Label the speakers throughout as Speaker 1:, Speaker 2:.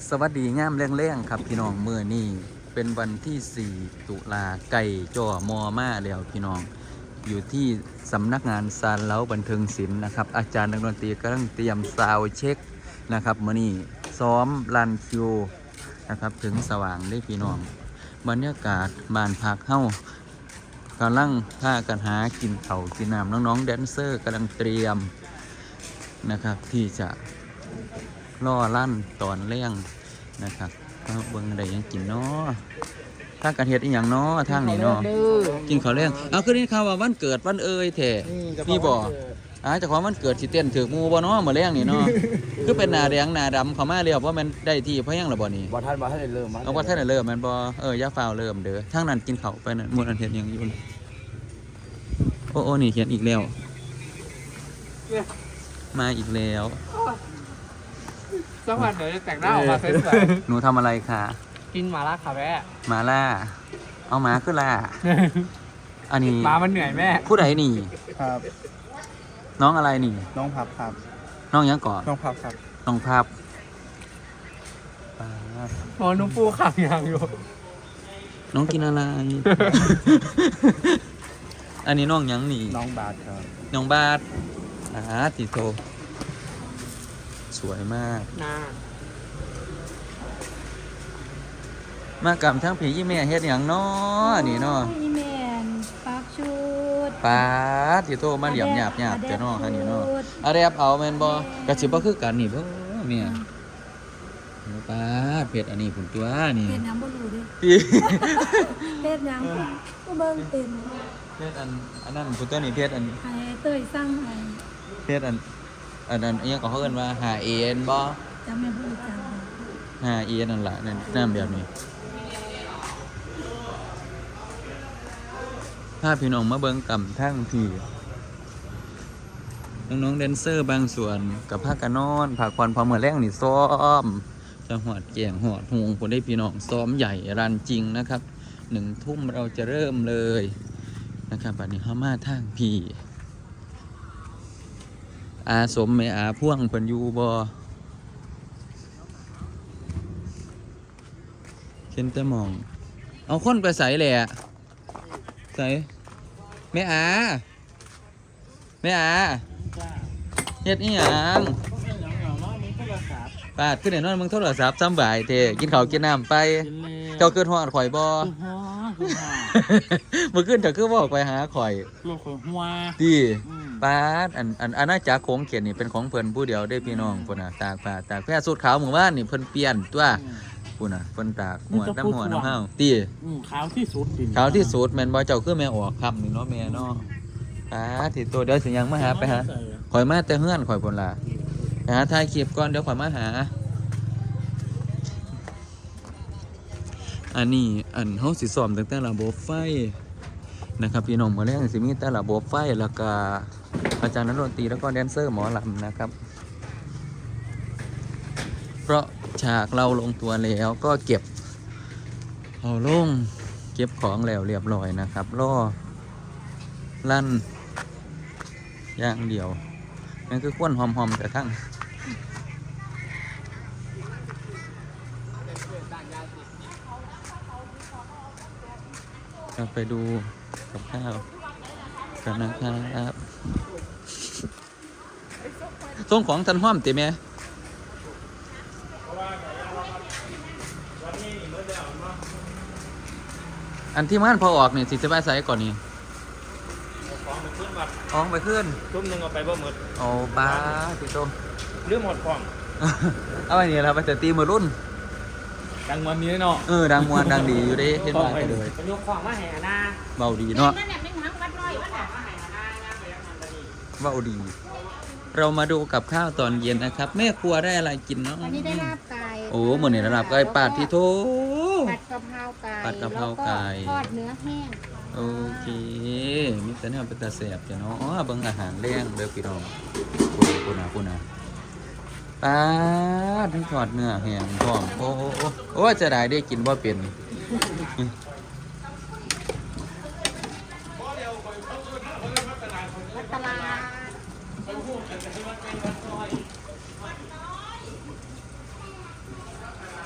Speaker 1: สวัสดีงามแรงๆครับพี่น้องมื้อนี้เป็นวันที่4ตุลาไก่จ่อมอมาแล้วพี่น้องอยู่ที่สำนักงานซานเล้าบันเทิงศิลป์นะครับอาจารย์นักดนตรีกำลังเตรียมซาวด์เช็คนะครับมื้อนี้ซ้อมรันคิวนะครับถึงสว่างได้พี่น้องบรรยากาศบ้านพักเฮ้ากำลังท่ากันหากินข้าวกินน้ำน้องๆแดนเซอร์กำลังเตรียมนะครับที่จะล่อลั่นตอนเลี้ยงนะครับก็เบิ่งได้ยังกินเนาะทางการเฮ็ดอีหยังเนาะทางนี้เนาะกินข้าวเลี้ยงเอาคือนี่ข่าวว่าวันเกิดวันเอ่ยแท้นี่บ่เจ้าของวันเกิดสิเต้นถึกหมู่บ่เนาะมื้อแลงนี่เนาะคือเป็นหน้าแดงหน้าดำเข้ามาแล้วบ่แม่นได้ที่เพราะหยังล่ะบ่นี่
Speaker 2: บ่ทันได้เริ่ม
Speaker 1: เอาบ่ทันได้เริ่มแม่นบ่อย่าฟ้าวเริ่มเด้อทางนั้นกินข้าวไปนั่นมื้อนั้นเฮ็ดหยังอยู่โอ้นี่เขียนอีกแล้วมาอีกแล้ว
Speaker 2: สักวันเดี๋ยวจะแต่งหน้าออกมาสวย
Speaker 1: หนูทำอะไรคะ
Speaker 2: ๆกินหมาล่าค่ะแม่
Speaker 1: หมาล่าเอาหมาขึ้นล่าอันนี้
Speaker 2: หมามันเหนื่อยแม่
Speaker 1: ผู้ใดนี่
Speaker 3: ครับ
Speaker 1: น้องอะไรนี่
Speaker 3: น้องพับครับ
Speaker 1: น้องยังก่อน
Speaker 3: น้องพับครับ
Speaker 1: น้องภาพป๊าด
Speaker 2: หมอนุ่มปูขังอย่างอยู่
Speaker 1: น้องกินอะไร อันนี้น้องยังนี่
Speaker 3: น้องบาสครับ
Speaker 1: น้องบาทติโตสวยมาก
Speaker 2: น่าม
Speaker 1: ากำทั้งผียี่แม่เฮ็ดอย่างน้อนี่เนาะ
Speaker 4: อีแมนปักชุด
Speaker 1: ป๊าดติโตมาเหลี่ยมหยาบเจ้าน้อคันนี้เนาะอะแรบเอาแม่นบ่กระสิบ่คือกันนี่บ่แม่ป๊าดเผ็ดอันนี้พุ่นตัวนี่
Speaker 4: เป็นน้ำบรูดิ
Speaker 1: พี่
Speaker 4: เป็นยังก็เบิ่งเป็น
Speaker 1: เพชรอันนั้นพุ่นตัวนี้เพชรอัน
Speaker 4: ให้เตยสร้างให้
Speaker 1: เพชรอันนั้นอิหยังก็เขาเอิ้นว่าหาเอ็นบ่
Speaker 4: จำไม่พูดจัง
Speaker 1: หาเอ็นนั่นล่ะนั่นน้ำแบบนี้พาพี่น้องมาเบิ่งกำทั้งที่น้องๆแดนเซอร์บางส่วนกับพากันนอนพักผ่อนพอมื้อแลงนี่ซ้อมจะหอดแก่งหอดหงพุ่นได้พี่น้องซ้อมใหญ่รันจริงนะครับ1 ทุ่มเราจะเริ่มเลยนะครับบัดนี้เฮามาทางพี่อาสมแม่อาพ่วงเพิ่นอยู่บ่เห็นแต่หมองเอาคนไปใส่แหละใส่แม่อาเฮ็ดอีหยังปาดขึ้นได้นอนมึงโทรศัพท์ซ้ำบ่ายเท่กินข้าวกินน้ำไปเจ้าเกิดฮอดข่อยบ่เมื่อคืนเจ้าคือบอกไปหาข่อย
Speaker 2: ลูกของหัว
Speaker 1: ดีป้าดอันอาณาจักรโขงเขียนนี่เป็นของเพิ่นผู้เดียวได้พี่น้องพุ่นน่ะตากผ้าตากแพร่สูทขาวหมู่บ้านนี่เพิ่นเปลี่ยนตัวพุ่นน่ะเพิ่นตากหัวน้ำเฮาตี
Speaker 2: ขาวที่สุด
Speaker 1: ขาวที่สุดแม่นบ่เจ้าคือแม่ออกค่ำนี่เนาะแม่เนาะป้าดที่ตัวเดี๋ยวสิยังมาหาไปหาข่อยมาแต่เฮือนข่อยพุ่นล่ะไปหาถ่ายคลิปก่อนเดี๋ยวข่อยมาหาอันนี้เฮาสิซ้อมตั้งแต่ระบบไฟนะครับพี่น้องมื้อแรกสิมีแต่ระบบไฟแล้วก็อาจารย์นักดนตรีแล้วก็แดนเซอร์หมอลำนะครับเพราะฉากเราลงตัวแล้วก็เก็บเอาลงเก็บของแล้วเรียบร้อยนะครับรอลั่นอย่างเดียวนั่นคือควนหอมๆแต่ทั้งเราไปดูกับข้าวกันนะครับส่งของทันห้อมติแม่อันที่ม่านพอออกเนี่ยสิจะไปใส่ก่อนนี่
Speaker 2: ของไปขึ้นวัด
Speaker 1: ของไปขึ้น
Speaker 2: ทุ่มหนึ่งเอาไปบ่หมด
Speaker 1: โอ้ป้าพี่โต
Speaker 2: เรื่องหมดของ
Speaker 1: เอาไปนี่เราไปแต่ตีมือรุ่น
Speaker 2: ดังวันนี้เนาะ
Speaker 1: ดังมวนดังดีอยู่เด้เห็นว่าไปเลย
Speaker 2: ยกของมาแห่นา
Speaker 1: เบาดีเนาะ
Speaker 4: นั่นแหละไม่หังวัดน้อยวัดน่ะ
Speaker 1: เบาดี เรามาดูกับข้าวตอนเย็นนะครับ แม่ครัวได้อะไรกินเนาะ
Speaker 4: อันนี้ได้ลาบไก่
Speaker 1: โอ้เหมือนในระดับไก่ปาดที่โถ
Speaker 4: ผัดกะเพราไก่
Speaker 1: ผัดกะเพราไก่
Speaker 4: แล้วทอดเนื้อแห้ง
Speaker 1: โอเคมีแต่เนี่ยเป็นตาแสบจ้ะเนาะเบิ่งอาหารแรงเด้อพี่น้องพูน่ะป้าดทั้งทอดเนื้อแห้งพร้อมโอ้จะได้กินบ่เป็น
Speaker 4: ตลาด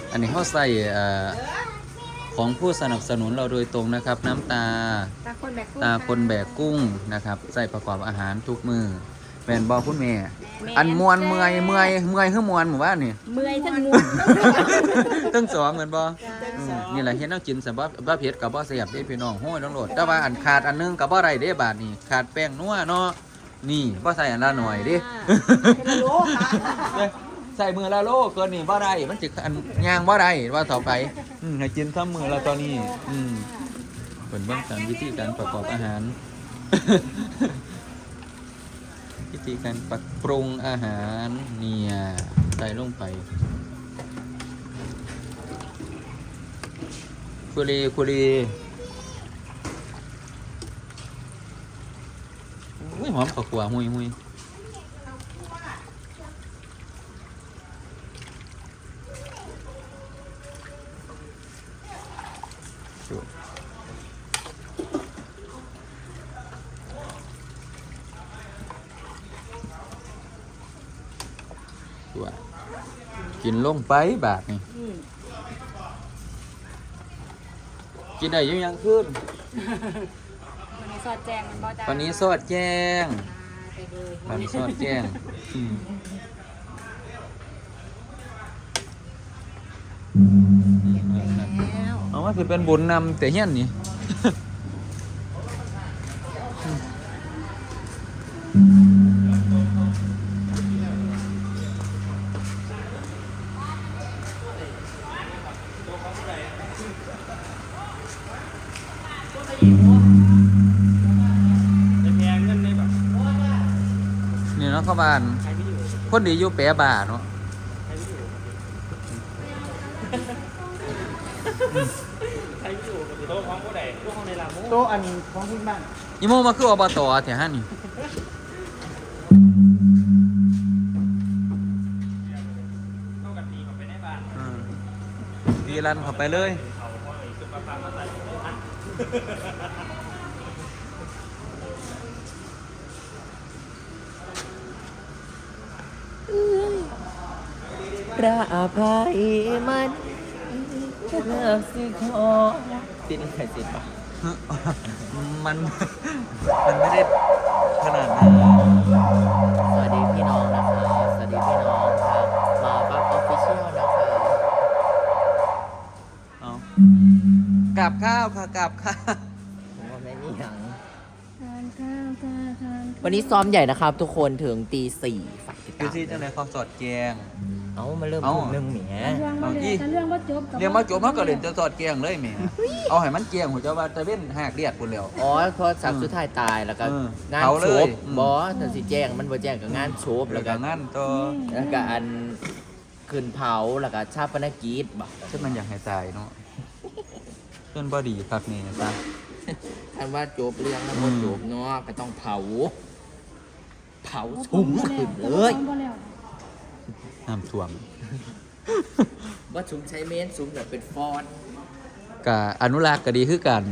Speaker 1: อันนี้เขาใส่ของผู้สนับสนุนเราโดยตรงนะครับ น้ำตา
Speaker 4: ตาคนแบก
Speaker 1: ตาคนแบกกุ้งนะครับใส่ประกอบอาหารทุกมือแม่นบอกคุณแม่อันมวนเมื่อยคือมวนหมู่บ้านนี่
Speaker 4: เมื่อยทั้งงู
Speaker 1: ตั้งสองเหมือนบ่นี่แหละเฮ็ดแนวกินสำหรับบ่เผ็ดกับบ่แซ่บเด้พี่น้องโห้ยต้องโหลดแต่ว่าอันขาดอันนึงกับบ่ได้เด้บาดนี้ขาดแป้งนัวเนาะนี่บ่ใส่อันละหน่อยเด้
Speaker 4: เป็นโลค่ะ
Speaker 1: ใส่มือละโลเกินนี่บ่ได้มันสิอันย่างบ่ได้ว่าต่อไปให้กินซ้ำมือละตอนนี้เพิ่นเบิ่งการวิธีการประกอบอาหาร วิธีการปรุงอาหารเนี่ยใส่ลงไปคุรีอุ้ยหอมข้าวคั่วหุยตัวกินลงไปบาทนี่กินได้อยังขึ้น
Speaker 4: วันนี้สอดแจงมันบ่จ้า
Speaker 1: วันนี้สอดแจ้ง
Speaker 4: ไปเลย
Speaker 1: วันนี้สอดแจ้งเอาว่าคือเป็นบุญนำแต่เฮี้ยนนี่
Speaker 2: จะแพงเงินได้แบบ
Speaker 1: นี่เนาะเข้าบ้าน
Speaker 2: ใช้วิดีโอ
Speaker 1: คนดีอยู่แปะบ่าเนาะ
Speaker 2: ใช้วิดีโอกับโต๊ะของผู้ใดโต๊ะของในลาโม
Speaker 3: โต๊ะอันของที่บ้าน
Speaker 1: อีโมมาคืออบตแถวฮั่นนี่
Speaker 2: เข้ากันดีกว่าไปในบ้าน
Speaker 1: ดีรันเข้าไปเลย
Speaker 2: เอาพอไอ้ตุ๊กตามาใส่ทัน
Speaker 3: พระอภัยมันเลิกสิขอติดใครติดปะ
Speaker 1: มันไม่ได้ขนาดนั้น
Speaker 3: สวัสดีพี่น้องนะคะสวัสดีพี่น้องค่ะมาปั๊บออฟฟิเชียลนะคะ
Speaker 1: เอากับข้าวค่ะกับข้าว
Speaker 3: ผมว่าไม่มีหยัง
Speaker 4: ทานข้าวทาน
Speaker 3: วันนี้ซ้อมใหญ่นะครับ ทุกคนถึงตีสี่ฝากติด
Speaker 1: ดู
Speaker 3: ตาม
Speaker 1: ที่จังไหนเขาสอดแกง
Speaker 3: เอ้ามาเริ่ม
Speaker 1: เอ้า
Speaker 3: ทุ่มหนึ่งแหม
Speaker 4: เรื่องว่าเลยถ้าเรื่องว่าจบ
Speaker 1: เรียกมาจบเขาก็เล่นจะสอดแกงเลยแหม่เอาให้มันแกงหัวเจ้าว่าตะเว้นหักเลียดพุ่นแล้ว
Speaker 3: อ๋อเพราะสักสุดท้ายตายแล้วก็ งาน
Speaker 1: เผาเล
Speaker 3: โช
Speaker 1: ย
Speaker 3: บอบอสสิแจ้งมันบ่แจ้งกับงานโชบ
Speaker 1: แล้
Speaker 3: แล้ว ว
Speaker 1: ก็
Speaker 3: ก็
Speaker 1: งั้นตัว
Speaker 3: แล้วก็อันขึ้นเผาแล้วก็ชาปนกิจบ่
Speaker 1: ซึ่งมันอยากให้ตายเนาะเพื่อนบ่ดีครับนี่นะจ๊ะ
Speaker 3: อันว่าจบเรื่องแล้วบ่จบเนาะก็ต้องเผาสุ่มขึ้นเลย
Speaker 1: น้ำท่วม
Speaker 3: ว่าสุ่มใช้เมนสุ่มแบบเป็นฟอนต์
Speaker 1: กะอนุรักษ์ก็ดีคือกัน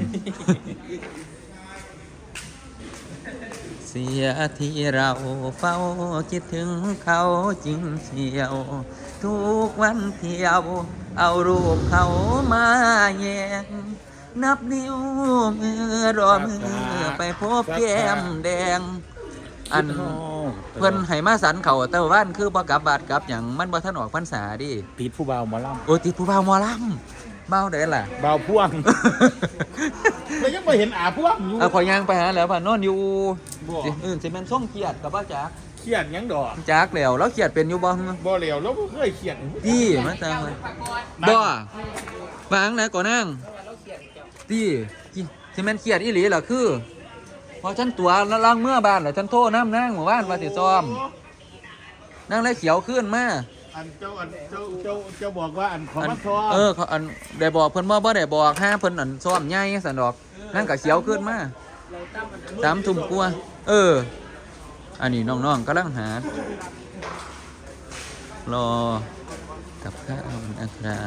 Speaker 1: เสียที่เราเฝ้าคิดถึงเขาจริงเชียว ทุกวันเที่ยว เอารูปเขามาแยงนับนิ้วมือรอมือไปพบแก้มแดง อันเพิ่นให้มาสันเขาแต่ว่าบ้านคือบ่กลับบาดกลับหยังมันบ่ทันออกพรรษาดิ
Speaker 2: ติดผู้บ่าวหมอล
Speaker 1: โอ้ติดผู้บ่าวหมอลำเมาได้ล่ะ
Speaker 2: ำบ่าวพ่วงเรายังไม่เห็นอาพ่วงอยู่
Speaker 1: พอย่างไปหาแล้วผ่านนอนอยู่
Speaker 2: บ่
Speaker 1: สิแม่นส่งเกียรติกับว่าจัก
Speaker 2: เครียดยังดอก
Speaker 1: จักแล้วแล้วเกียรติเป็นอยู่บ่
Speaker 2: บ่เหลียวแล้วก็เคยเครียด
Speaker 1: ตี้มาจังเลยบ่บางไหนก่อนนั่งตี้สิแม่นเกียรติอีหลีล่ะคือพอฉันตัวล้างเมื่อบ้านแล้วฉันโทรน้ำนั่งหมู่บ้านว่าสิซ้อมนั่งแล้วเขียวขึ้นมา
Speaker 2: อันเจ้าบอกว่าอันของมันทอ
Speaker 1: เขาอันได้บอกเพิ่นบ่ได้บอกห้าเพิ่นอันซ้อมใหญ่สันดอกนั่นก็เขียวขึ้นมา3 ทุ่มกว่าอันนี้น้องๆกำลังหารอกับข้าวนะครับ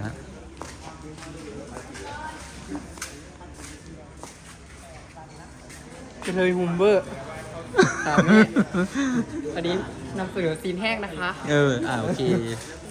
Speaker 5: กระเทยฮุมเบอร์อันนี้นำเสนอซีนแห้งนะคะ
Speaker 1: โอเค